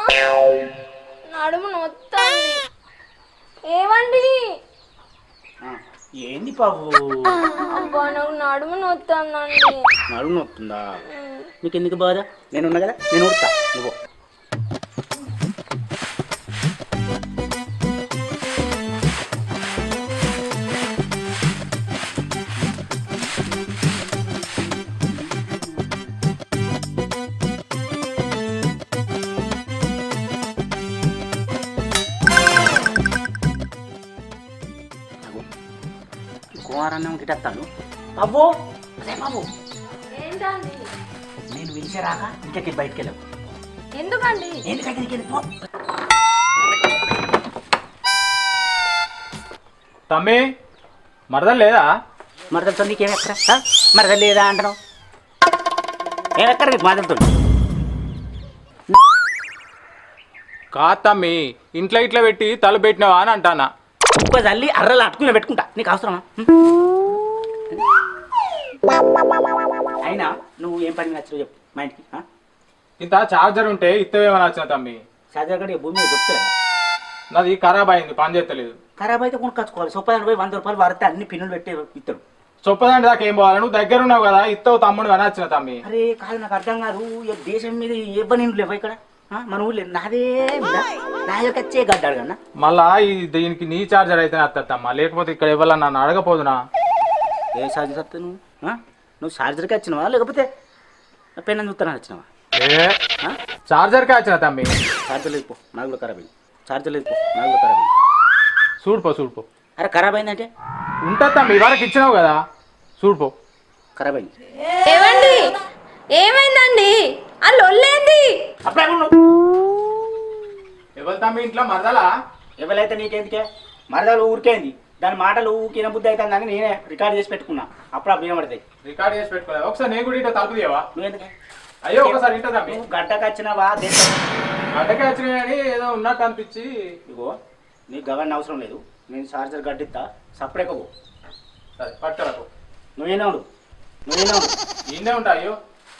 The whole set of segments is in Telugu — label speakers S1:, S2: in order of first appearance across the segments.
S1: నడుము నొత్తంది. ఏమండి?
S2: ఏంది బాబు?
S1: అబ్బా నాకు నడుము నొత్తందండి.
S2: నడుము నొత్తుందా? నీకు ఎందుకు బాధ? నేను ఉన్నా కదా, నేను ఉడతా. నువ్వు కుమారన్నం గిటత్తాను. బాబు అదే బాబు,
S1: ఏంటండి?
S2: నేను పిలిచేరాక ఇంటికి బయటికి వెళ్ళావు.
S1: ఎందుకండి?
S2: ఎందుకంటే
S3: తమ్మి మరదలు లేదా?
S2: మరదలతో నీకేమెక్కడ? మరదలు లేదా అంటున్నావు? ఏమెక్కడ నీకు మరదలతో?
S3: కాదు తమ్మి, ఇంట్లో ఇట్లా పెట్టి తల పెట్టినావా అని అంటానా.
S2: ఇంకో తల్లి అర్రలు అట్టుకుని పెట్టుకుంటా, నీకు అవసరమా? అయినా నువ్వు ఏం పని నచ్చవు చెప్పు మా ఇంటికి.
S3: ఇంత చార్జర్ ఉంటే ఇత్తవేమని వచ్చిన తమ్మి.
S2: చార్జర్ గడి భూమి మీద దొరుకుతుంది.
S3: నాది ఖరాబ్ అయింది, పని చేస్తలేదు.
S2: ఖరాబ్ అయితే కొనుక్కొచ్చుకోవాలి. సొప్పదాన్ని పోయి 100 రూపాయలు వాడితే అన్ని పిన్నులు పెట్టి ఇస్తాడు.
S3: చొప్పదండి దాకా ఏం పోవాలి? నువ్వు దగ్గర ఉన్నావు కదా, ఇత్తవు తమ్ముడు అని వచ్చిన తమ్మి.
S2: అరే కాదు, నాకు అర్థం కాదు. దేశం మీద ఇవ్వని లేవు ఇక్కడ. మన ఊళ్ళో నాదే నా యొక్క వచ్చే గడ్డాడు కన్నా.
S3: మళ్ళా దీనికి నీ చార్జర్ అయితే వస్తుందమ్మా, లేకపోతే ఇక్కడ ఇవ్వాలని నన్ను అడగపోదునా?
S2: ఏ చార్జర్ వస్తా నువ్వు? నువ్వు చార్జర్కి వచ్చినావా లేకపోతే పెన్ చూస్తానని వచ్చినావా?
S3: చార్జర్కే వచ్చిన తమ్మి.
S2: చార్జర్ లేదు పో, నాకు కూడా ఖరాబ్ అయింది. చార్జర్ లేదు పో, నాకు కూడా ఖరాబ్ అయింది.
S3: చూడుపో.
S2: అరే ఖరాబ్ అయిందంటే
S3: ఉంటుంది తమ్మి, ఇవాళకి ఇచ్చినావు కదా, చూడుపో.
S2: ఖరాబ్ అయింది.
S1: ఏమండి? ఏమైందండి? ఆ లొల్లేంది?
S2: అప్పుడే
S3: ఎవరు తమ్మి ఇంట్లో మరదలా?
S2: ఎవరైతే నీకేందుకే? మరదలు ఊరికేంది, దాని మాటలు ఊకిన బుద్ధి అవుతుందని నేనే రికార్డ్ చేసి పెట్టుకున్నా. అప్పుడు వినబడతాయి.
S3: రికార్డ్ చేసి పెట్టుకోవాలి. ఒకసారి నేను కూడా ఇంట్లో తలుపు తీయవా?
S2: నువ్వెందుకే?
S3: అయ్యో ఒకసారి ఇంట తమ్మి.
S2: నువ్వు గడ్డకు వచ్చినావా?
S3: గడ్డకే వచ్చినా కానీ ఏదో ఉన్నట్టు అనిపించి.
S2: ఇగో నీకు గవర్న అవసరం లేదు, నేను చార్జర్ గడ్డిస్తా. సపరేట్గా పో.
S3: సరే పట్టుకరకు.
S2: నువ్వేనా ఉండు.
S3: ఈయనే ఉంటా. అయ్యో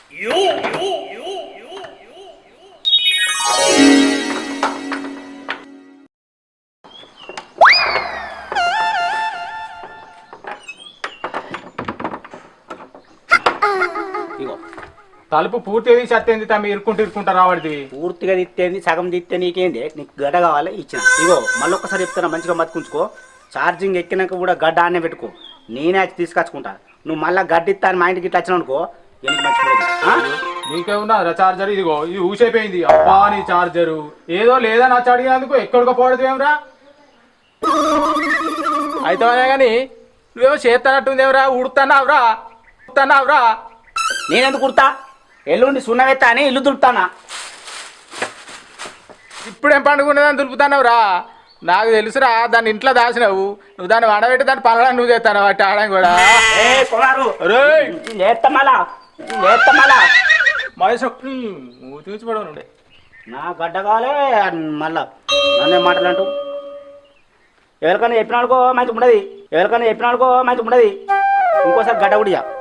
S2: ఇగో
S3: తలుపు పూర్తిగా తీసి అత్తేంది తమ్మి, ఇరుక్కుంటా రావడిది.
S2: పూర్తిగా తిత్తేంది, సగం తిత్తే నీకేంది? నీకు గడ్డ కావాలి, ఇచ్చిన. ఇగో మళ్ళీ ఒక్కసారి చెప్తున్నా, మంచిగా బతుకుంచుకో. ఛార్జింగ్ ఎక్కినాక కూడా గడ్డ ఆనే పెట్టుకో. నేనే తీసుకొచ్చుకుంటా. నువ్వు మళ్ళీ గడ్డిస్తా అని మా ఇంటికి ఇట్లా వచ్చినావు అనుకో, ఎందుకు మంచిగా
S3: నీకేమున్నా చార్జర్? ఇదిగో ఇది ఊసైపోయింది. అబ్బా నీ చార్జరు ఏదో లేదా నచ్చ అడిగినందుకు ఎక్కడికో పోవడదు ఏమరా? అయితే కానీ నువ్వేమో చేస్తానట్టుందేమరా? ఉడుతున్నావురా?
S2: నేనెందుకు కుడతా? ఎల్లుండి సున్నవెత్తా అని ఇల్లు దులుపుతానా?
S3: ఇప్పుడేం పండుగ దులుపుతున్నావురా? నాకు తెలుసురా, దాన్ని ఇంట్లో దాచినావు. నువ్వు దాన్ని వడబెట్టి దాన్ని పనులను నువ్వు చేస్తాను వాటి ఆడడం కూడా. చూసిపడవుండే
S2: నా గడ్డ కావాలే మళ్ళా నన్నే మాటలంటూ. ఎవరికైనా చెప్పినాడుకో మంచి ఉండదు, ఇంకోసారి గడ్డ కూడా